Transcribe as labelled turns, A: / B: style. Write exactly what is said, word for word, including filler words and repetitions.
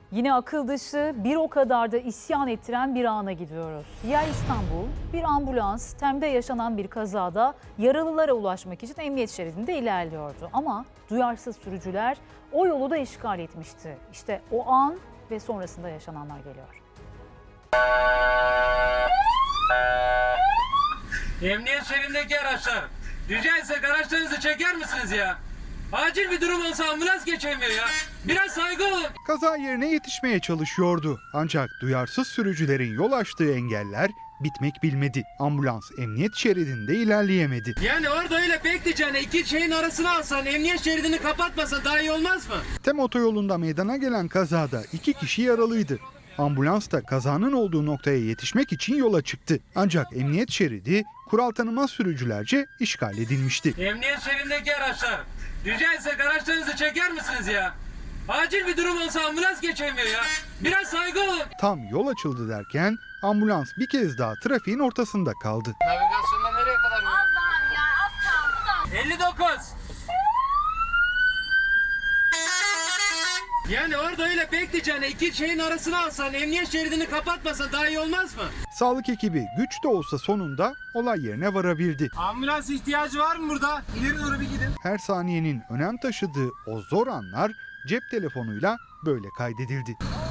A: Yine akıl dışı, bir o kadar da isyan ettiren bir ana gidiyoruz. Yer İstanbul, bir ambulans Tem'de yaşanan bir kazada yaralılara ulaşmak için emniyet şeridinde ilerliyordu. Ama duyarsız sürücüler o yolu da işgal etmişti. İşte o an ve sonrasında yaşananlar geliyor.
B: Emniyet şeridindeki araçlar, rica etsek araçlarınızı çeker misiniz ya? Acil bir durum olsa ambulans geçemiyor ya. Biraz saygı olun.
C: Kaza yerine yetişmeye çalışıyordu. Ancak duyarsız sürücülerin yol açtığı engeller bitmek bilmedi. Ambulans emniyet şeridinde ilerleyemedi.
B: Yani orada öyle bekleyeceğine iki şeyin arasına alsan, emniyet şeridini kapatmasan daha iyi olmaz mı?
C: Tem otoyolunda meydana gelen kazada iki kişi yaralıydı. Ambulans da kazanın olduğu noktaya yetişmek için yola çıktı. Ancak emniyet şeridi kural tanımaz sürücülerce işgal edilmişti.
B: Emniyet şeridindeki araçlar, rica etsek araçlarınızı çeker misiniz ya? Acil bir durum olsa ambulans geçemiyor ya. Biraz saygı olun.
C: Tam yol açıldı derken ambulans bir kez daha trafiğin ortasında kaldı.
B: Navigasyonda nereye kadar?
D: Az daha ya az kaldı da.
B: elli dokuz. Yani orada öyle bekleyeceğine iki şeyin arasına alsan, emniyet şeridini kapatmasan daha iyi olmaz mı?
C: Sağlık ekibi güç de olsa sonunda olay yerine varabildi.
B: Ambulans ihtiyacı var mı burada? İleri doğru bir gidin.
C: Her saniyenin önem taşıdığı o zor anlar cep telefonuyla böyle kaydedildi.